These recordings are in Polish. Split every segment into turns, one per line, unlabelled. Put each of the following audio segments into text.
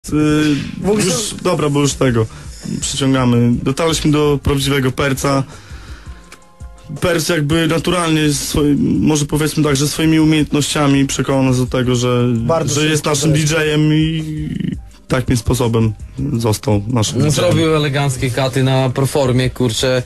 Już, dobra, bo już tego przyciągamy. Dotarliśmy do prawdziwego Perca. Perc jakby naturalnie, może powiedzmy tak, że swoimi umiejętnościami przekonał nas do tego, że jest naszym DJ-em i takim sposobem został naszym DJ-em.
Zrobił eleganckie katy na Proformie, kurczę.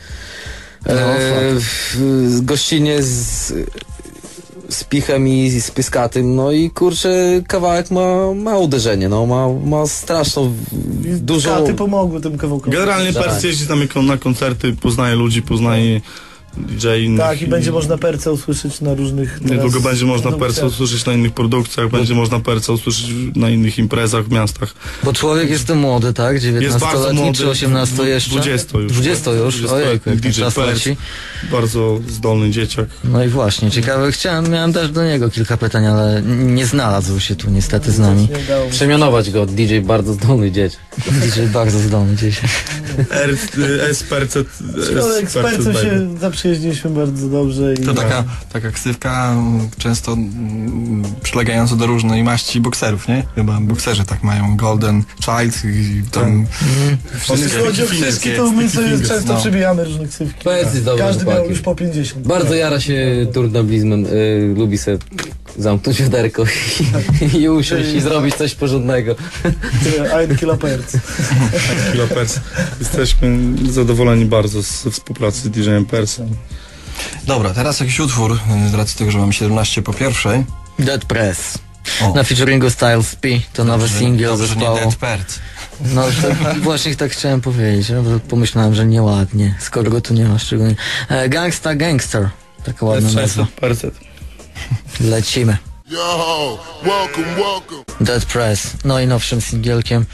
Gościnnie z Pichem i z Pyskatym, no i kurczę, kawałek ma uderzenie, no ma straszną, dużo...
Katy pomogły tym kawałkom.
Generalnie Perc jeździ tam na koncerty, poznaje ludzi, poznaje DJ innych.
Tak, i będzie można Perca usłyszeć na różnych...
Niedługo będzie można Perca usłyszeć na innych produkcjach, będzie można Perca usłyszeć na innych imprezach w miastach.
Bo człowiek jest tu młody, tak? 19-letni czy 18 jeszcze?
20 już.
20 już? Ojejku, jak ten
DJ
czas
Perc,
leci.
bardzo zdolny dzieciak.
No i właśnie, ciekawe, miałem też do niego kilka pytań, ale nie znalazł się tu niestety z nami.
Przemianować go, DJ bardzo zdolny dzieciak.
DJ bardzo zdolny dzieciak.
Z Percet.
Z Percem się zaprzyjaźniliśmy bardzo dobrze. I
to taka ksywka często przylegająca do różnej maści bokserów, nie? Chyba bokserzy tak mają, Golden Child i tam
wszystkie to my sobie często przybijamy różne ksywki. Każdy miał już po 50.
Bardzo jara się turnoblismem, lubi se zamknąć wiaderko i usiąść i zrobić coś porządnego.
Ein Kilo Perc.
Kilo Perc. Jesteśmy zadowoleni bardzo z współpracy z DJ-em Percem.
Dobra, teraz jakiś utwór, z racji tego, że mamy 17 po pierwszej.
Dead Press. Na featuringu Styles P, to nowy singiel zespołu.
Dead Perc.
No to właśnie tak chciałem powiedzieć, bo pomyślałem, że nieładnie, skoro go tu nie ma szczególnie. Gangsta Gangster, taka ładna nazwa. Lecimy.
Yo, welcome.
Dead Press, najnowszym singielkiem,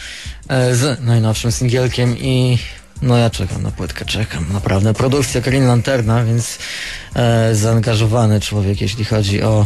i no ja czekam na płytkę, naprawdę. Produkcja Green Lanterna, więc zaangażowany człowiek, jeśli chodzi o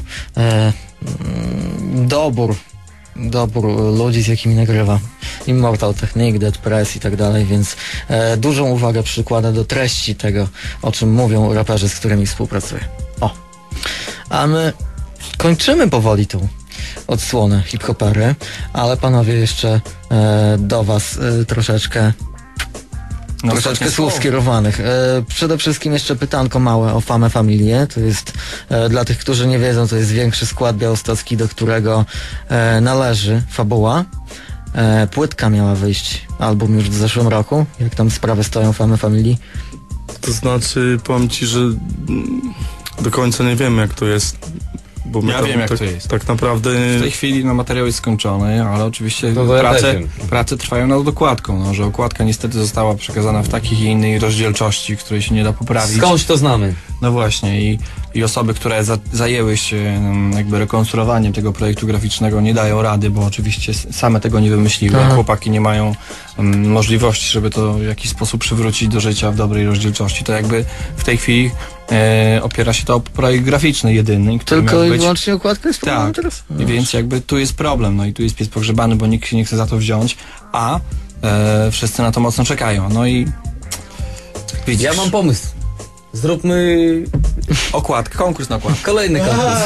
dobór ludzi, z jakimi nagrywa. Immortal Technique, Dead Press i tak dalej, więc dużą uwagę przykłada do treści tego, o czym mówią raperzy, z którymi współpracuje. A my kończymy powoli tą odsłonę hip-hopery, ale panowie jeszcze do was troszeczkę słów skierowanych. Przede wszystkim jeszcze pytanko małe o Famę Familię. To jest, dla tych, którzy nie wiedzą, to jest większy skład białostocki, do którego należy Fabuła. Płytka miała wyjść, album już w zeszłym roku. Jak tam sprawy stoją Famy Familii?
To znaczy, powiem ci, że do końca nie wiemy, jak to jest. Bo
ja wiem, jak to jest.
Tak naprawdę...
W tej chwili materiał jest skończony, ale oczywiście prace trwają nad dokładką, że okładka niestety została przekazana w takiej i innej rozdzielczości, której się nie da poprawić.
Skądś to znamy.
No właśnie i osoby, które zajęły się jakby rekonstruowaniem tego projektu graficznego, nie dają rady, bo oczywiście same tego nie wymyśliły. Chłopaki nie mają możliwości, żeby to w jakiś sposób przywrócić do życia w dobrej rozdzielczości. To jakby w tej chwili opiera się to o projekt graficzny jedyny, który
tylko
miał być...
i wyłącznie okładka jest problemem teraz?
I więc jakby tu jest problem, no i tu jest pies pogrzebany, bo nikt się nie chce za to wziąć, a wszyscy na to mocno czekają. No i widzisz.
Ja mam pomysł. Zróbmy
konkurs na okładkę.
Kolejny konkurs.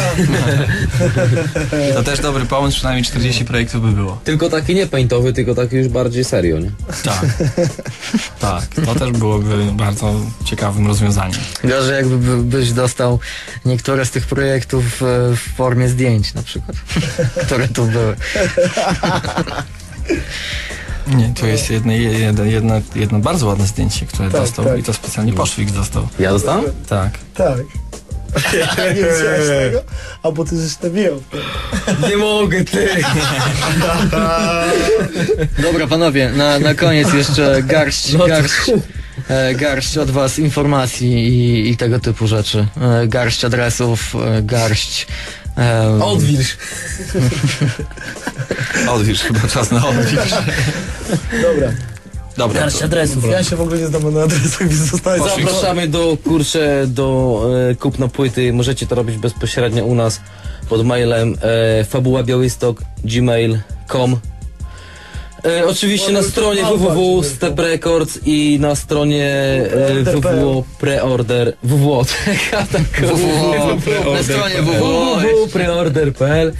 To też dobry pomysł, przynajmniej 40 projektów by było.
Tylko taki nie paintowy, tylko taki już bardziej serio, nie?
Tak, to też byłoby bardzo ciekawym rozwiązaniem.
Gorzej jakbyś dostał niektóre z tych projektów w formie zdjęć na przykład, które tu były.
Nie, to jest jedno bardzo ładne zdjęcie, które dostał i to specjalnie Poszwik dostał.
Ja dostałem?
Tak.
Nie widziałeś tego? Albo ty żeś to wiedział.
Nie mogę, ty!
Dobra, panowie, na koniec jeszcze garść od was informacji i tego typu rzeczy. Garść adresów, garść...
Odwilż, chyba czas na odwilż. Dobra.
Garść adresów. Ja się w ogóle nie znam na adresach, więc zostałem.
Zapraszamy do kupna płyty. Możecie to robić bezpośrednio u nas pod mailem fabułabiałystok@gmail.com. Oczywiście na stronie www.step Records i na stronie www.preorder
na stronie
www.preorder.pl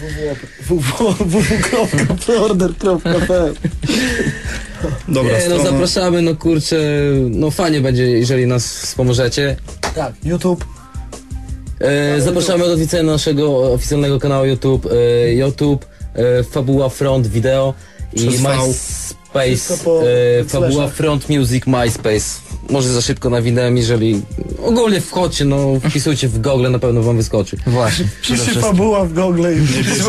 www.preorder.pl.
Dobra,
zapraszamy, no kurczę, no fajnie będzie, jeżeli nas wspomożecie.
Tak, YouTube.
Zapraszamy do odwiedzenia naszego oficjalnego kanału YouTube, Fabuła Front Video i MySpace, Fabuła Front Music MySpace. Może za szybko nawinąłem, jeżeli ogólnie wchodźcie, no wpisujcie w Google, na pewno wam wyskoczy.
Właśnie.
Piszcie Fabuła w Google i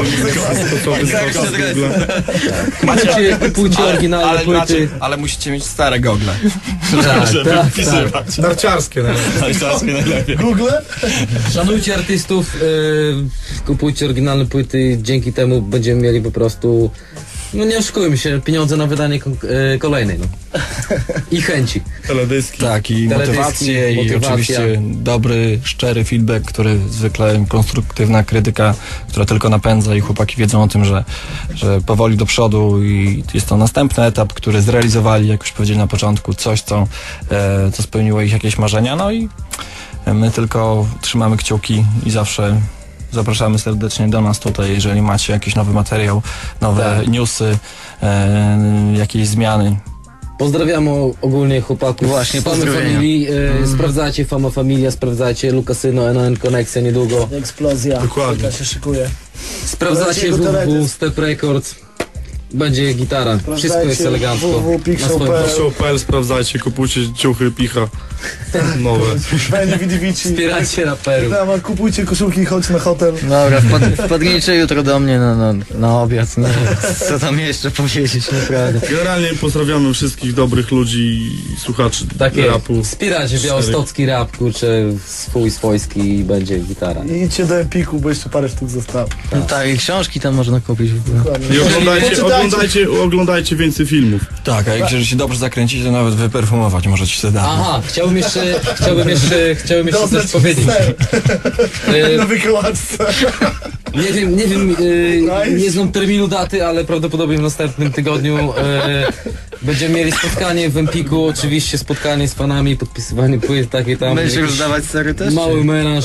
Macie, kupujcie oryginalne płyty.
Ale musicie mieć stare gogle.
Tak.
narciarskie najlepiej.
Google?
Szanujcie artystów, kupujcie oryginalne płyty, dzięki temu będziemy mieli po prostu, no nie oszukujmy się, pieniądze na wydanie kolejnej, no. I chęci.
Teledyski.
Tak, i motywację, i oczywiście dobry, szczery feedback, który zwykle konstruktywna krytyka, która tylko napędza i chłopaki wiedzą o tym, że powoli do przodu i jest to następny etap, który zrealizowali, jak już powiedzieli na początku, coś, co spełniło ich jakieś marzenia, no i my tylko trzymamy kciuki i zawsze zapraszamy serdecznie do nas tutaj, jeżeli macie jakiś nowy materiał, nowe newsy, jakieś zmiany.
Pozdrawiamy ogólnie chłopaków.
Właśnie,
Famy Familii. Sprawdzajcie Fama Familia, sprawdzajcie Lukasyno, NON Konekcja niedługo.
Eksplozja.
Dokładnie.
Jaka się szykuje.
Sprawdzacie www.step Records. Będzie gitara. Wszystko jest elegancko.
www.pixel.pl. Sprawdzajcie, kupujcie ciuchy, picha nowe.
Wspierajcie raperów.
Kupujcie koszulki i chodźcie na hotel.
Dobra, wpadnijcie jutro do mnie na obiad. Nie, co tam jeszcze powiedzieć, naprawdę.
Generalnie pozdrawiamy wszystkich dobrych ludzi i słuchaczy rapu.
Wspierajcie białostocki rap, kurczę, swojski i będzie gitara.
I idźcie do Empiku, bo jeszcze parę sztuk zostało.
Tak, i książki tam można kupić w ogóle.
I oglądajcie więcej filmów.
Tak, a jeżeli się dobrze zakręcicie, to nawet wyperfumować możecie się dać.
Aha, chciałbym jeszcze coś powiedzieć.
Na wykołaczce.
Nie wiem, nie znam terminu daty, ale prawdopodobnie w następnym tygodniu będziemy mieli spotkanie w Empiku, oczywiście spotkanie z fanami, podpisywanie płyt, takie tam.
Będziesz już dawać sery też?
Mały melanż.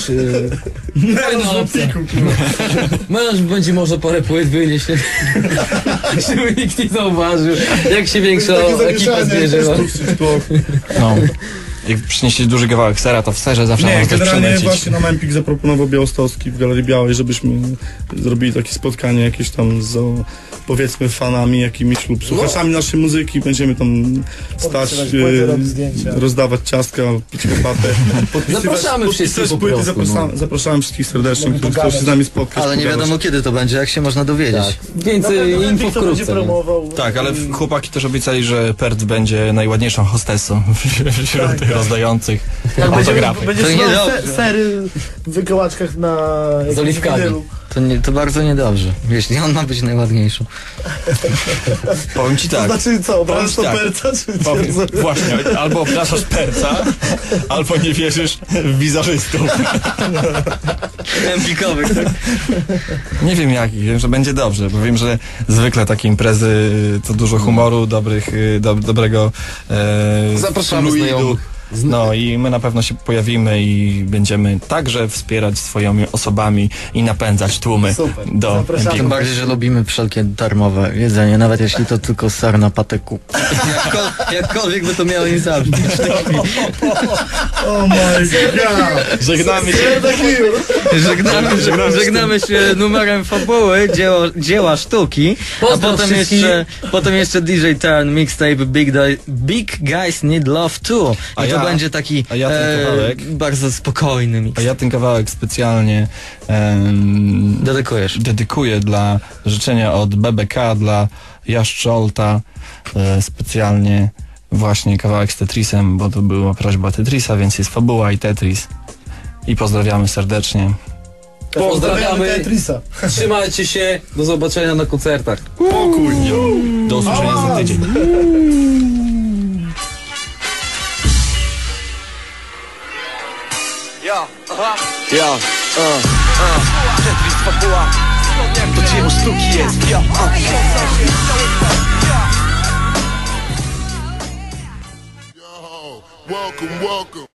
Melanż będzie może parę płyt wynieść, żeby nikt nie zauważył, jak się większa ekipa zbierze.
No. Jak przynieśli duży kawałek sera, to w serze zawsze można coś
generalnie
przylecieć.
właśnie nam Empik zaproponował Białostocki w Galerii Białej, żebyśmy zrobili takie spotkanie jakieś tam z, powiedzmy, fanami jakimiś lub słuchaczami naszej muzyki. Będziemy tam stać, rozdawać ciastka, pić herbatę,
Zapraszamy wszystkich po
płyty,
prostu,
zapraszamy wszystkich serdecznie, którzy chcą się z nami spotkać.
Ale nie wiadomo kiedy to będzie, jak się można dowiedzieć.
Tak. Więcej info wkrótce.
Tak, ale chłopaki też obiecali, że Perc będzie najładniejszą hostessą wśród tych rozdających autografy.
Będzie sery w wykołaczkach na
z oliwkami.
To bardzo niedobrze, jeśli on ma być najładniejszą.
Powiem ci tak.
To znaczy co, obrażasz to
tak.
Perca?
Właśnie, albo obrażasz Perca, albo nie wierzysz w wizerzystów.
Empikowych, tak?
Nie wiem jaki, wiem, że będzie dobrze, bo wiem, że zwykle takie imprezy to dużo humoru, dobrego
Zapraszamy znajomych.
No i my na pewno się pojawimy i będziemy także wspierać swoimi osobami i napędzać tłumy do Empiku.
Tym bardziej, że lubimy wszelkie darmowe jedzenie, nawet jeśli to tylko ser na patyku. Jakkolwiek by to miało im zabrzmieć.
Oh my god!
Żegnamy się numerem fabuły, dzieła sztuki, a potem jeszcze DJ Turn, mixtape Big Guys Need Love Too. I to będzie taki bardzo spokojny mix.
A ja ten kawałek specjalnie dedykuję dla życzenia od BBK, dla Jaszczolta, specjalnie właśnie kawałek z Tetrisem, bo to była prośba Tetrisa, więc jest fabuła i Tetris. I pozdrawiamy serdecznie.
Pozdrawiamy Tetrisa. Trzymajcie się, do zobaczenia na koncertach.
Pokój! Do usłyszenia za tydzień.
Tetris fabuła, to dzieło sztuki jest.
welcome, welcome.